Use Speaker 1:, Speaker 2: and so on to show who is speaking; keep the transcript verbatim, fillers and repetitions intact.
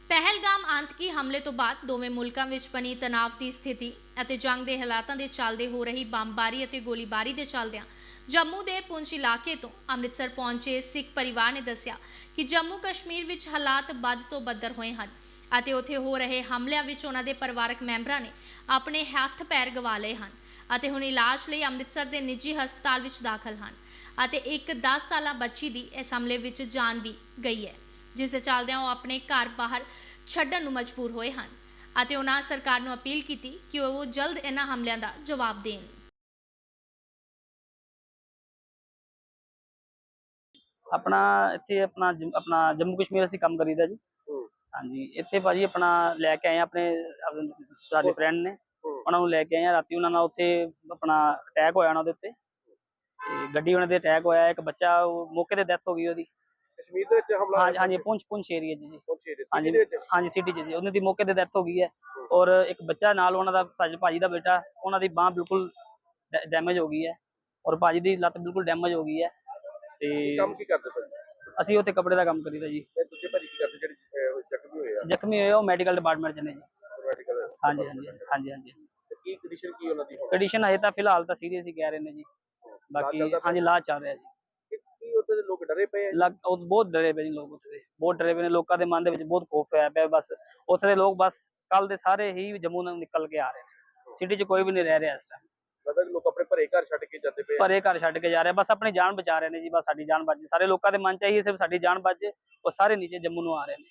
Speaker 1: ਪਹਿਲਗਾਮ ਆਤੰਕੀ ਹਮਲੇ ਤੋਂ ਬਾਅਦ ਦੋਵੇਂ ਮੁਲਕਾਂ ਵਿੱਚ ਬਣੀ ਤਣਾਅ ਦੀ ਸਥਿਤੀ ਅਤੇ ਜੰਗ ਦੇ ਹਾਲਾਤਾਂ ਦੇ ਚੱਲਦੇ ਹੋ ਰਹੀ ਬੰਬਾਰੀ ਅਤੇ ਗੋਲੀਬਾਰੀ ਦੇ ਚੱਲਦਿਆਂ ਜੰਮੂ ਦੇ ਪੁੰਛ ਇਲਾਕੇ ਤੋਂ ਅੰਮ੍ਰਿਤਸਰ ਪਹੁੰਚੇ ਸਿੱਖ ਪਰਿਵਾਰ ਨੇ ਦੱਸਿਆ ਕਿ ਜੰਮੂ ਕਸ਼ਮੀਰ ਵਿੱਚ ਹਾਲਾਤ ਵੱਧ ਤੋਂ ਬੱਦਰ ਹੋਏ ਹਨ ਅਤੇ ਉੱਥੇ ਹੋ ਰਹੇ ਹਮਲਿਆਂ ਵਿੱਚ ਉਹਨਾਂ ਦੇ ਪਰਿਵਾਰਕ ਮੈਂਬਰਾਂ ਨੇ ਆਪਣੇ ਹੱਥ ਪੈਰ ਗਵਾ ਲਏ ਹਨ ਅਤੇ ਹੁਣ ਇਲਾਜ ਲਈ ਅੰਮ੍ਰਿਤਸਰ ਦੇ ਨਿੱਜੀ ਹਸਪਤਾਲ ਵਿੱਚ ਦਾਖਲ ਹਨ ਅਤੇ ਇੱਕ ਦਸ ਸਾਲਾ ਬੱਚੀ ਦੀ ਇਸ ਹਮਲੇ ਵਿੱਚ ਜਾਨ ਵੀ ਗਈ ਹੈ, ਜਿਸ ਦੇ ਚੱਲਦਿਆਂ ਉਹ ਆਪਣੇ ਘਰ ਬਾਹਰ ਛੱਡਣ ਨੂੰ ਮਜਬੂਰ ਹੋਏ ਹਨ ਅਤੇ ਉਹਨਾਂ ਸਰਕਾਰ ਨੂੰ ਅਪੀਲ ਕੀਤੀ ਕਿ ਉਹ ਜਲਦ ਇਹਨਾਂ ਹਮਲਿਆਂ ਦਾ ਜਵਾਬ ਦੇਣ।
Speaker 2: अपना इत्थे अपना जम- अपना जम्मू कश्मीर ਅਸੀਂ ਕੰਮ ਕਰੀਦਾ ਜੀ। ਹਾਂਜੀ ਇੱਥੇ ਭਾਜੀ ਆਪਣਾ ਲੈ ਕੇ ਆਏ ਆ ਆਪਣੇ ਸਾਡੇ ਫਰੈਂਡ ਨੇ, ਉਹਨਾਂ ਨੂੰ ਲੈ ਕੇ ਆਏ ਆ। ਰਾਤੀ ਉਹਨਾਂ ਨਾਲ ਉੱਥੇ ਆਪਣਾ ਅਟੈਕ ਹੋਇਆ ਉਹਨਾਂ ਦੇ ਉੱਤੇ, ਤੇ ਗੱਡੀ ਉਹਨਾਂ ਦੇ ਅਟੈਕ ਹੋਇਆ। ਇੱਕ ਬੱਚਾ ਉਹ ਮੌਕੇ ਤੇ ਡੈਥ ਹੋ ਗਈ ਉਹਦੀ।
Speaker 3: ਕਸ਼ਮੀਰ ਦੇ ਵਿੱਚ ਹਮਲਾ
Speaker 2: ਹਾਂਜੀ ਹਾਂਜੀ ਪੁੰਛ ਪੁੰਛ ਏਰੀਆ ਜੀ ਜੀ
Speaker 3: ਪੁੰਛ ਏਰੀਆ
Speaker 2: ਹਾਂਜੀ
Speaker 3: ਦੇ ਵਿੱਚ
Speaker 2: ਹਾਂਜੀ ਸਿਟੀ ਚ ਜੀ। ਉਹਨਾਂ ਦੀ ਮੌਕੇ ਤੇ ਡੈਥ ਹੋ ਗਈ ਹੈ ਔਰ ਇੱਕ ਬੱਚਾ ਨਾਲ ਉਹਨਾਂ ਦਾ ਸਾਜ ਭਾਜੀ ਦਾ ਬੇਟਾ, ਉਹਨਾਂ ਦੀ ਬਾਂਹ ਬਿਲਕੁਲ ਡੈਮੇਜ ਹੋ ਗਈ ਹੈ ਔਰ ਭਾਜੀ ਦੀ ਲੱਤ ਬਿਲਕੁਲ ਡੈਮੇਜ ਹੋ ਗਈ ਹੈ। ਤੇ
Speaker 3: ਕੰਮ ਕੀ ਕਰਦੇ ਭਾਜੀ?
Speaker 2: ਅਸੀਂ ਉੱਥੇ ਕੱਪੜੇ ਦਾ ਕੰਮ ਕਰੀਦਾ ਜੀ।
Speaker 3: ਤੇ ਦੂਜੇ ਭਾਜੀ ਕੀ ਕਰਦੇ ਜਿਹੜੇ ਅਹ, ਜ਼ਖਮੀ ਹੋਏ ਆ?
Speaker 2: ਜ਼ਖਮੀ ਹੋਏ ਉਹ ਮੈਡੀਕਲ ਡਿਪਾਰਟਮੈਂਟ ਚ ਨੇ ਜੀ।
Speaker 3: ਮੈਡੀਕਲ
Speaker 2: ਹਾਂਜੀ ਹਾਂਜੀ ਹਾਂਜੀ ਹਾਂਜੀ
Speaker 3: ਤੇ ਕੀ ਕੰਡੀਸ਼ਨ ਕੀ ਉਹਨਾਂ ਦੀ ਹੁਣ?
Speaker 2: ਕੰਡੀਸ਼ਨ ਹਜੇ ਤਾਂ ਫਿਲਹਾਲ ਤਾਂ ਸੀਰੀਅਸ ਹੀ ਕਹਿ ਰਹੇ ਨੇ ਜੀ। ਬਾਕੀ
Speaker 3: ਚੱਲਦਾ ਪਿਆ?
Speaker 2: ਹਾਂਜੀ ਇਲਾਜ ਚੱਲ ਰਿਹਾ ਜੀ।
Speaker 3: ਕਿ ਕੀ ਉੱਥੇ ਦੇ ਲੋਕ ਡਰੇ ਪਏ ਆ?
Speaker 2: ਲੱਗ ਉਹ ਬਹੁਤ ਡਰੇ ਪਏ ਜੀ ਲੋਕ, ਉੱਥੇ ਦੇ ਬਹੁਤ ਡਰੇ ਪਏ ਨੇ। ਲੋਕਾਂ ਦੇ ਮਨ ਦੇ ਵਿੱਚ ਬਹੁਤ ਖੌਫ ਹੋਇਆ ਪਿਆ। ਬਸ ਉੱਥੇ ਦੇ ਲੋਕ ਬਸ ਕੱਲ ਦੇ ਸਾਰੇ ਹੀ ਜੰਮੂ ਨੂੰ ਨਿਕਲ ਕੇ ਆ ਰਹੇ ਨੇ। ਸਿਟੀ 'ਚ ਕੋਈ ਵੀ ਨਹੀਂ ਰਹਿ ਰਿਹਾ ਇਸ ਟਾਈਮ।
Speaker 3: ਲੱਗਦਾ ਕਿ ਲੋਕ ਆਪਣੇ ਘਰੇ ਘਰ ਛੱਡ ਕੇ ਜਾਂਦੇ ਪਏ ਆ।
Speaker 2: ਭਰੇ ਘਰ ਛੱਡ ਕੇ ਜਾ ਰਹੇ, ਬਸ ਆਪਣੀ ਜਾਨ ਬਚਾ ਰਹੇ ਨੇ ਜੀ। ਬਸ ਸਾਡੀ ਜਾਨ ਬਚ ਜੇ, ਸਾਰੇ ਲੋਕਾਂ ਦੇ ਮਨ 'ਚ ਇਹੀ ਸਿਰਫ ਸਾਡੀ ਜਾਨ ਬਚ ਜੇ। ਉਹ ਸਾਰੇ ਨੀਚੇ ਜੰਮੂ ਨੂੰ ਆ ਰਹੇ ਨੇ।